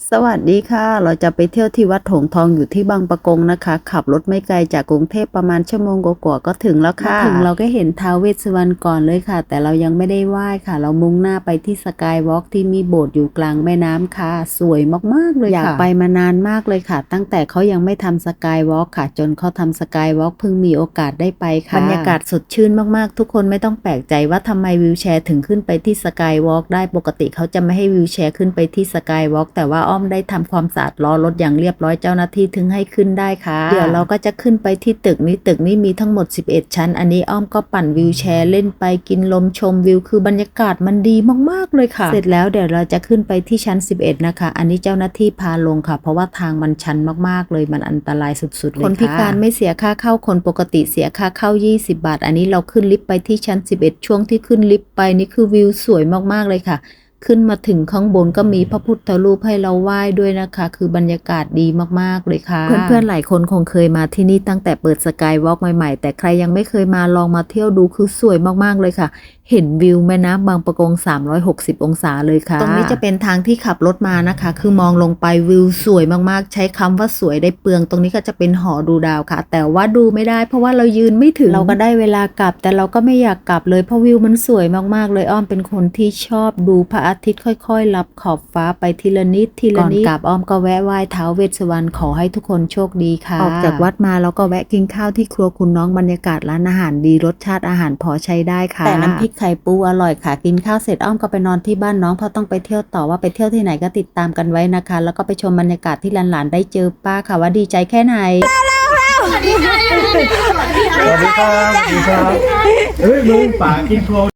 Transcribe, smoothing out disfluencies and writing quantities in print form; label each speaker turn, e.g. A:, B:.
A: สวัสดีค่ะเราจะไปเที่ยวที่วัดหงส์ทองอยู่ที่บางปะกงนะคะขับรถไม่ไกลจากกรุงเทพประมาณชั่วโมงกว่าๆก็ถึงแล้วค่ะถึงเราก็เห็นท้าวเวสสุวรรณก่อนเลยค่ะแต่เรายังไม่ได้ไหว้ค่ะเรามุ่งหน้าไปที่สกายวอล์กที่มีโบสถ์อยู่กลางแม่น้ำค่ะสวยมากๆเลยค่ะอยากไปมานานมากเลยค่ะตั้งแต่เขายังไม่ทำสกายวอล์กค่ะจนเขาทำสกายวอล์กเพิ่งมีโอกาสได้ไปค่ะบรรยากาศสดชื่นมากๆทุกคนไม่ต้องแปลกใจว่าทำไมวีลแชร์ถึงขึ้นไปที่สกายวอล์กได้ปกติเขาจะไม่ให้วีลแชร์ขึ้นไปที่สกายวอล์กแต่ว่าอ้อมได้ทำความสะอาดล้อรถอย่างเรียบร้อยเจ้าหน้าที่ถึงให้ขึ้นได้ค่ะเดี๋ยวเราก็จะขึ้นไปที่ตึกนี้มีทั้งหมด11ชั้นอันนี้อ้อมก็ปั่นวีลแชร์เล่นไปกินลมชมวิวคือบรรยากาศมันดีมากๆเลยค่ะเสร็จแล้วเดี๋ยวเราจะขึ้นไปที่ชั้น11นะคะอันนี้เจ้าหน้าที่พาลงค่ะเพราะว่าทางมันชันมากๆเลยมันอันตรายสุดๆเลยค่ะคนพิการไม่เสียค่าเข้าคนปกติเสียค่าเข้า20 บาทอันนี้เราขึ้นลิฟต์ไปที่ชั้น11ช่วงที่ขึ้นลิฟต์ไปนี่คือวิวสวยมากๆเลยค่ะขึ้นมาถึงข้างบนก็มีพระพุทธรูปให้เราไหว้ด้วยนะคะคือบรรยากาศดีมากๆเลยค่ะเพื่อนๆหลายคนคงเคยมาที่นี่ตั้งแต่เปิดสกายวอล์กใหม่ๆแต่ใครยังไม่เคยมาลองมาเที่ยวดูคือสวยมากๆเลยค่ะเห็นวิวแม่น้ำบางปะกง360 องศาเลยค่ะตรงนี้จะเป็นทางที่ขับรถมานะคะคือมองลงไปวิวสวยมากๆใช้คำว่าสวยได้เปลืองตรงนี้ก็จะเป็นหอดูดาวค่ะแต่ว่าดูไม่ได้เพราะว่าเรายืนไม่ถึงเราก็ได้เวลากลับแต่เราก็ไม่อยากกลับเลยเพราะวิวมันสวยมากๆเลยอ้อมเป็นคนที่ชอบดูพระอาทิตย์ค่อยๆลับขอบฟ้าไปทีละนิดทีละนิดก่อนกลับอ้อมก็แวะไหว้ท้าวเวสสุวรรณขอให้ทุกคนโชคดีค่ะออกจากวัดมาแล้วก็แวะกินข้าวที่ครัวคุณน้องบรรยากาศร้านอาหารดีรสชาติอาหารพอใช้ได้ค่ะแต่น้ำพริกไข่ปูอร่อยค่ะกินข้าวเสร็จอ้อมก็ไปนอนที่บ้านน้องเพราะต้องไปเที่ยวต่อว่าไปเที่ยวที่ไหนก็ติดตามกันไว้นะคะแล้วก็ไปชมบรรยากาศที่หลานๆได้เจอป้าค่ะว่าดีใจแค่ไหน
B: สวัสดีครับสวัสดีครับเฮ้ยมึงป่ากินโค